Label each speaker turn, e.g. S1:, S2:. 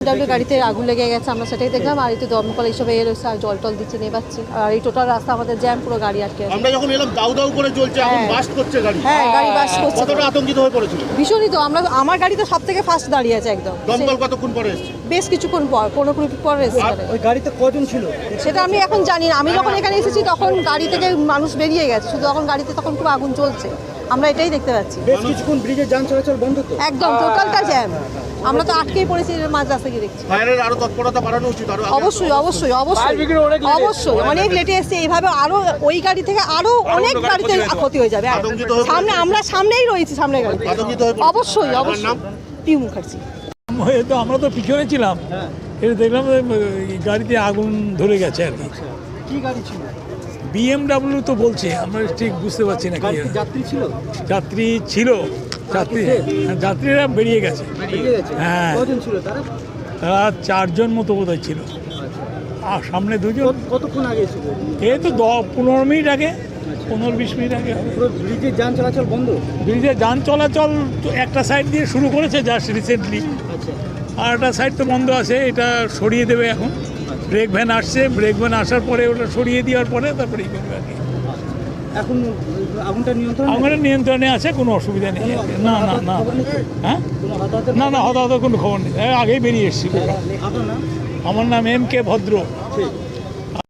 S1: W গাড়িতে আগুন লেগে গেছে, আমরা সেটাই দেখলাম। আর এই তো দমকল এইসবে এর আর জল টল দিচ্ছে, নেবাচ্ছে। আর এই টোটাল রাস্তা আমাদের জ্যাম, পুরো গাড়ি আটকে আছে।
S2: আমরা যখন এলাম দাউ দাউ করে জ্বলছে, আগুন বাস্ট করছে গাড়ি।
S1: হ্যাঁ, গাড়ি বাস্ট করছে।
S2: কতটা আতঙ্কিত হয়ে পড়েছিল?
S1: ভীষণই তো। আমার গাড়ি তো সব থেকে ফার্স্ট দাঁড়িয়ে আছে একদম।
S2: দমকল কতক্ষণ পরে এসেছে?
S1: বেশ কিছুক্ষণ পর, 15 মিনিট পর এসেছে।
S3: ওই গাড়িতে কজন ছিল
S1: সেটা আমি এখন জানি না। আমি যখন এখানে এসেছি তখন গাড়ি থেকে মানুষ বেরিয়ে গেছে, শুধু এখন গাড়িতে তখন খুব আগুন চলছে, আমরা এটাই দেখতে পাচ্ছি।
S3: বেশ কিছুক্ষণ ব্রিজের যান চলাচল বন্ধ তো
S1: একদম টোটালটা জ্যাম। আমরা তো আটকেই পড়েছি, মাঝ রাস্তা গিয়ে দেখছি।
S2: ফায়ারের আরো তৎপরতা বাড়ানো উচিত।
S1: অবশ্যই অবশ্যই অবশ্যই অবশ্যই অনেক লেটে এসছে। এইভাবে আরো ওই গাড়ি থেকে আরো অনেক গাড়িতে ক্ষতি হয়ে যাবে। সামনে আমরা সামনেই রয়েছি, সামনের গাড়ি। অবশ্যই অবশ্যই। পিউ মুখার্জি।
S4: তো আমরা তো পিছনে ছিলাম, এটা দেখলাম গাড়িতে আগুন ধরে গেছে আর কি।
S3: কি গাড়ি ছিল?
S4: BMW তো বলছে, আমরা ঠিক বুঝতে পারছি না কি।
S3: যাত্রী ছিল?
S4: যাত্রী ছিল, যাত্রীরা বেরিয়ে গেছে। হ্যাঁ,
S3: কজন ছিল তারা?
S4: তারা 4 জন মতো বোধহয় ছিল। আর সামনে 2 জন।
S3: কতক্ষণ আগে ছিল?
S4: এই তো 15 মিনিট আগে, 15-20 মিনিট আগে।
S3: পুরো ব্রিজের যান চলাচল বন্ধ?
S4: ব্রিজে যান চলাচল তো একটা সাইড দিয়ে শুরু করেছে জাস্ট রিসেন্টলি, আর একটা সাইড তো বন্ধ আছে। এটা সরিয়ে দেবে এখন। ব্রেক ভ্যান আসছে, ব্রেক ভ্যান আসার পরে ওটা সরিয়ে দেওয়ার পরে তারপরে করবে আর কি।
S3: এখন আগুনটা
S4: নিয়ন্ত্রণে আছে, কোনো অসুবিধা নেই। না না না, হ্যাঁ না না, হতাহত কোনো খবর নেই। আগেই বেরিয়ে এসেছি।
S3: আপনার নাম?
S4: আমার নাম MK ভদ্র।